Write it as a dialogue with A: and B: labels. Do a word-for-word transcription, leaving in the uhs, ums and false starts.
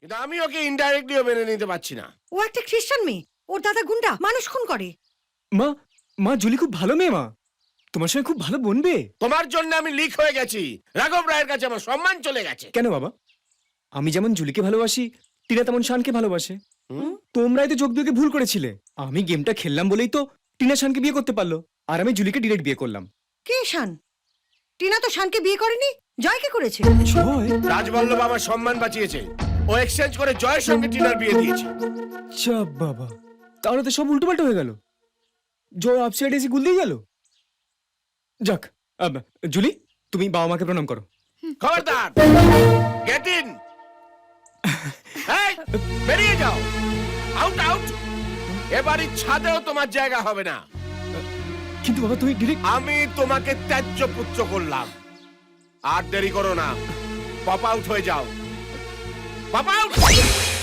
A: কিন্তু আমি ওকে ইনডাইরেক্টলিও মেনে নিতে পারছি না।
B: ও একটা খ্রিস্টান মেয়ে, ওর দাদা গুন্ডা, মানুষ খুন করে।
C: মা মা জুলি খুব ভালো মেয়ে মা, তোমার সঙ্গে খুব ভালো বনবে।
A: তোমার জন্য আমি লিক হয়ে গেছি, রাঘব রায়ের কাছে আমার সম্মান চলে গেছে।
C: কেন বাবা? আমি যেমন জুলিকে ভালোবাসি, টিনা তেমন শানকে ভালোবাসে। তোমরাই তো যোগ বিয়োগে ভুল করেছিলে। আমি গেমটা খেললাম বলেই তো টিনা শানকে বিয়ে করতে পারলো, আর আমি জুলিকে ডিরেক্ট বিয়ে করলাম।
B: কে শান? টিনা তো শানকে বিয়ে করেনি, জয়কে করেছে।
C: জয়?
A: রাজবল্লভ আমার সম্মান বাঁচিয়েছে, ও এক্সচেঞ্জ করে জয়ের সঙ্গে টিনার বিয়ে দিয়েছে।
C: চাপ বাবা, তাহলে তো সব উল্টোপাল্টা হয়ে গেল। জয় আপসাইড এসে গুল দিয়ে গেল। যাক, আব, জুলি তুমি বাবা মাকে প্রণাম করো।
A: খবরদার, গেট ইন। এই, বেরিয়ে যাও, আউট আউট। এবারই ছাদেও তোমার জায়গা হবে না।
C: কিন্তু বাবা তুমি ডিরেক্ট।
A: আমি তোমাকে ত্যায্য পুত্র করলাম, আর দেরি করো না, পপ আউট হয়ে যাও, পপ আউট।